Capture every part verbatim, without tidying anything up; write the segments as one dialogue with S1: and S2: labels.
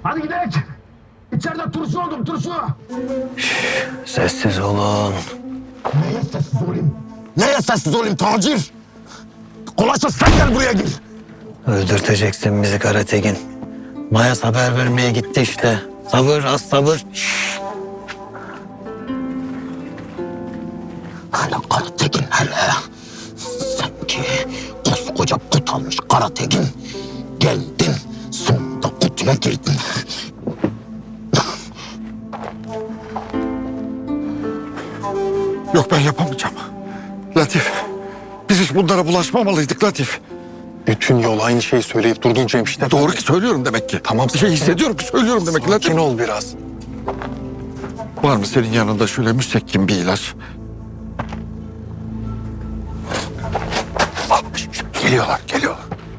S1: Hadi gidelim. İçeride turşu oldum, turşu.
S2: Sessiz olun.
S1: Neye sessiz olayım? Neye sessiz olayım Tacir? Kolaysa sen gel buraya gir.
S2: Öldürteceksin bizi Karatekin. Mayas haber vermeye gitti işte. Sabır, az sabır.
S1: Hele Karatekin hele. Sanki koskoca kut almış Karatekin. Geldin, sonunda kutuya girdin.
S3: Yok ben yapamayacağım. Latif, biz hiç bunlara bulaşmamalıydık Latif.
S4: Bütün yol aynı şeyi söyleyip durdun Cemşit.
S3: Doğru ki söylüyorum demek ki.
S4: Tamam,
S3: Bir şey hissediyorum ki söylüyorum demek ki Latif.
S4: Sakin ol biraz.
S3: Var mı senin yanında şöyle müsekkim bir ilaç? Ah, geliyorlar, geliyorlar.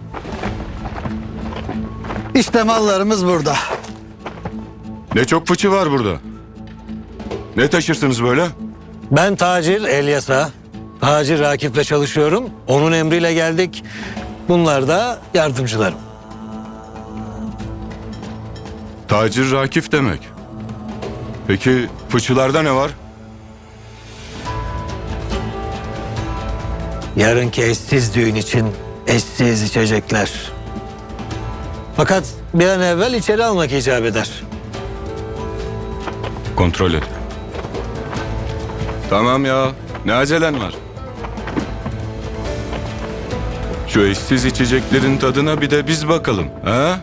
S2: İşte mallarımız burada.
S5: Ne çok fıçı var burada. Ne taşırsınız böyle?
S2: Ben tacir Elyas'a. Tacir Rakip'le çalışıyorum. Onun emriyle geldik. Bunlar da yardımcılarım.
S5: Tacir Rakif demek. Peki fıçılarda ne var?
S2: Yarınki eşsiz düğün için eşsiz içecekler. Fakat bir an evvel içeri almak icap eder.
S5: Kontrol et. Tamam ya. Ne acelen var? Şu eşsiz içeceklerin tadına bir de biz bakalım. Ha?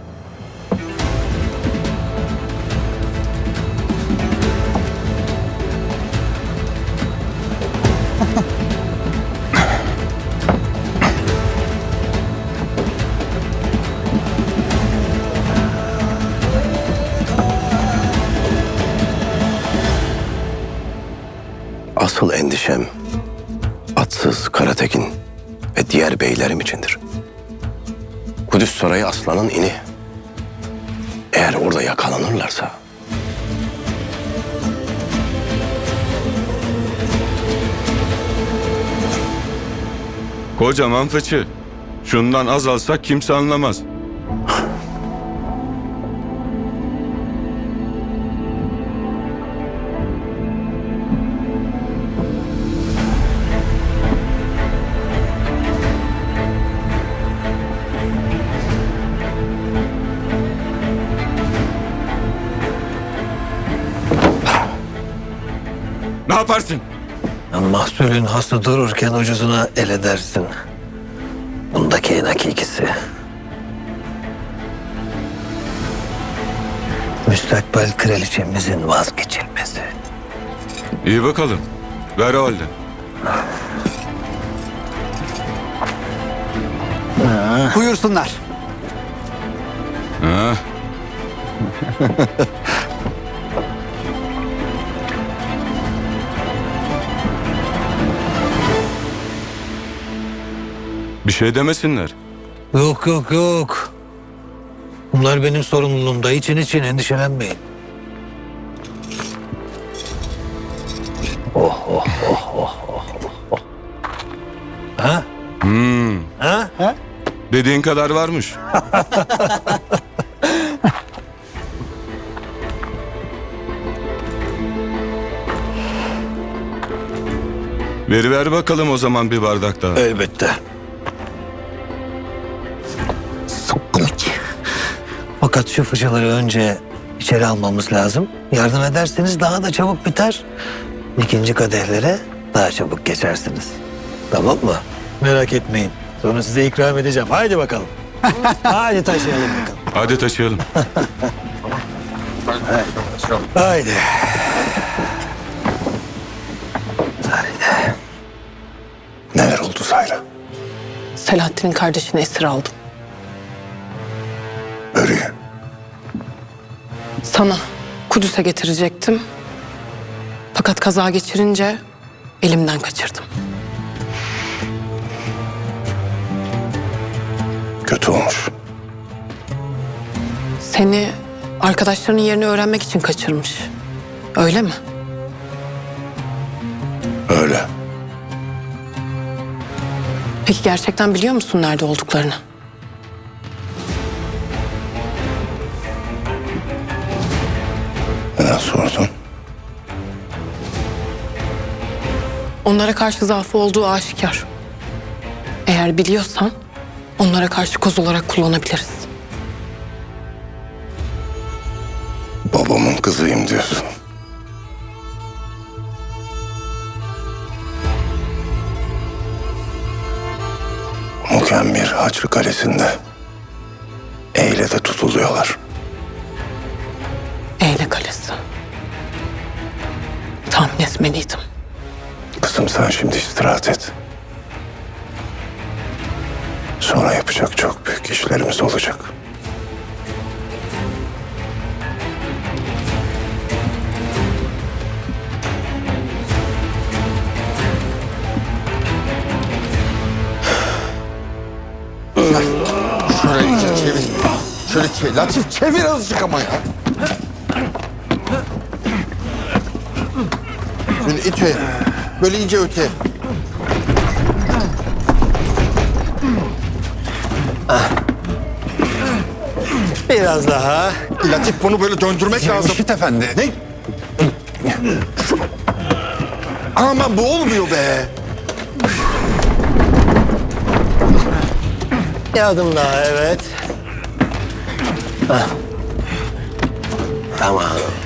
S4: Asıl endişem atsız Karatekin ve diğer beylerim içindir. Kudüs Sarayı aslanın ini. Eğer orada yakalanırlarsa...
S5: Kocaman fıçı. Şundan az alsak kimse anlamaz. Ne yaparsın?
S2: Mahsulün hası dururken ucuzuna el edersin. Bundaki en hakikisi. Müstakbel kraliçemizin vazgeçilmezi.
S5: İyi bakalım. Ver o halde.
S6: Buyursunlar.
S5: Ha? Bir şey demesinler.
S2: Yok yok yok. Bunlar benim sorumluluğumda. İçin için endişelenmeyin. Oh oh oh oh oh oh. Ha?
S5: Hmm.
S2: Ha?
S5: Dediğin kadar varmış. Ver ver bakalım o zaman bir bardak daha.
S2: Elbette.
S1: Sıkkın iç.
S2: Fakat şu fıçıları önce içeri almamız lazım. Yardım ederseniz daha da çabuk biter. İkinci kadehlere daha çabuk geçersiniz. Tamam mı? Merak etmeyin. Sonra size ikram edeceğim. Haydi bakalım. Haydi taşıyalım bakalım.
S5: Hadi taşıyalım.
S2: Haydi. Haydi.
S4: Neler oldu Sayra?
S7: Selahattin'in kardeşini esir aldım.
S4: Nereye?
S7: Sana Kudüs'e getirecektim. Fakat kaza geçirince elimden kaçırdım.
S4: Kötü olmuş.
S7: Seni arkadaşlarının yerini öğrenmek için kaçırmış. Öyle mi?
S4: Öyle.
S7: Peki gerçekten biliyor musun nerede olduklarını?
S4: Neden sordun?
S7: Onlara karşı zaafı olduğu aşikar. Eğer biliyorsan onlara karşı koz olarak kullanabiliriz.
S4: Babamın kızıyım diyorsun. Mukemmir Haçlı Kalesi'nde Eyle'de tutuluyorlar.
S7: Eyle Kalesi. Tahmin etmeliydim.
S4: Kızım sen şimdi istirahat et. Sonra yapacak çok büyük işlerimiz olacak.
S3: Şöyle iyice çevir. Şöyle çevir. Latif çevir azıcık ama ya. Şöyle ite. Böyle iyice öte.
S2: Biraz daha.
S3: Latif bunu böyle döndürmek lazım.
S6: Müşit Efendi.
S3: Ne? Ama bu olmuyor be.
S2: Bir adım daha, evet. Hah. Tamam.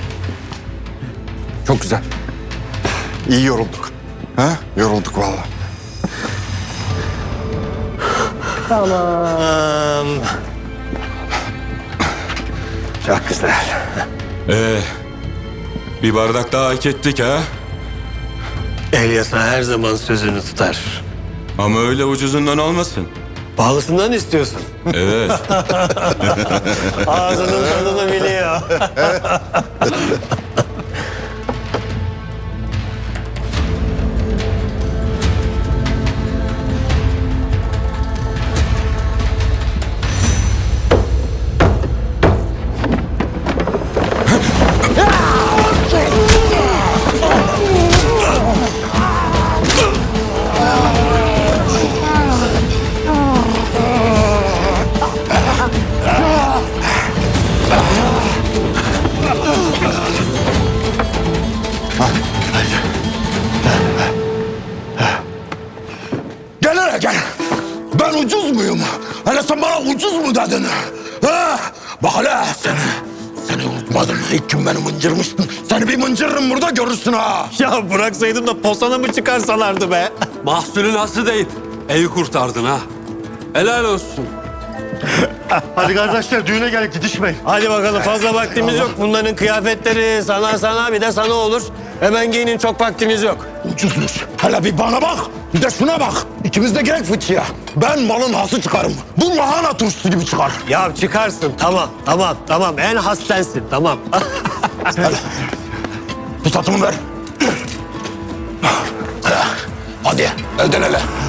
S3: Çok güzel. İyi yorulduk. Ha? Yorulduk vallahi.
S2: Tamam. Çok güzel.
S5: Ee, bir bardak daha hak ettik ha?
S2: Elyasa her zaman sözünü tutar.
S5: Ama öyle ucuzundan olmasın.
S2: Pahalısından istiyorsun.
S5: Evet.
S2: Ağzının tadını biliyor.
S1: Gel hele gel. Ben ucuz muyum? Hele sen bana ucuz mu dedin? Ha? Bak hele seni. Seni unutmadım. İlk gün beni mıncırmıştın. Seni bir mıncırırım burada görürsün ha.
S2: Ya bıraksaydım da posana mı çıkarsalardı be?
S8: Mahsulün hası deyip evi kurtardın ha. Helal olsun.
S3: Hadi kardeşler düğüne gel gidişmeyin.
S2: Hadi bakalım, fazla vaktimiz yok. Bunların kıyafetleri sana sana bir de sana olur. Hemen giyinin, çok vaktimiz yok.
S1: Ucuzmuş. Hele bir bana bak. Bir de şuna bak. İkimiz de gerek fıçıya. Ben malın hası çıkarım. Bu lahana turşusu gibi çıkar.
S2: Ya çıkarsın, tamam tamam tamam, en has sensin, tamam.
S1: Pusatımı ver. Hadi elden ele.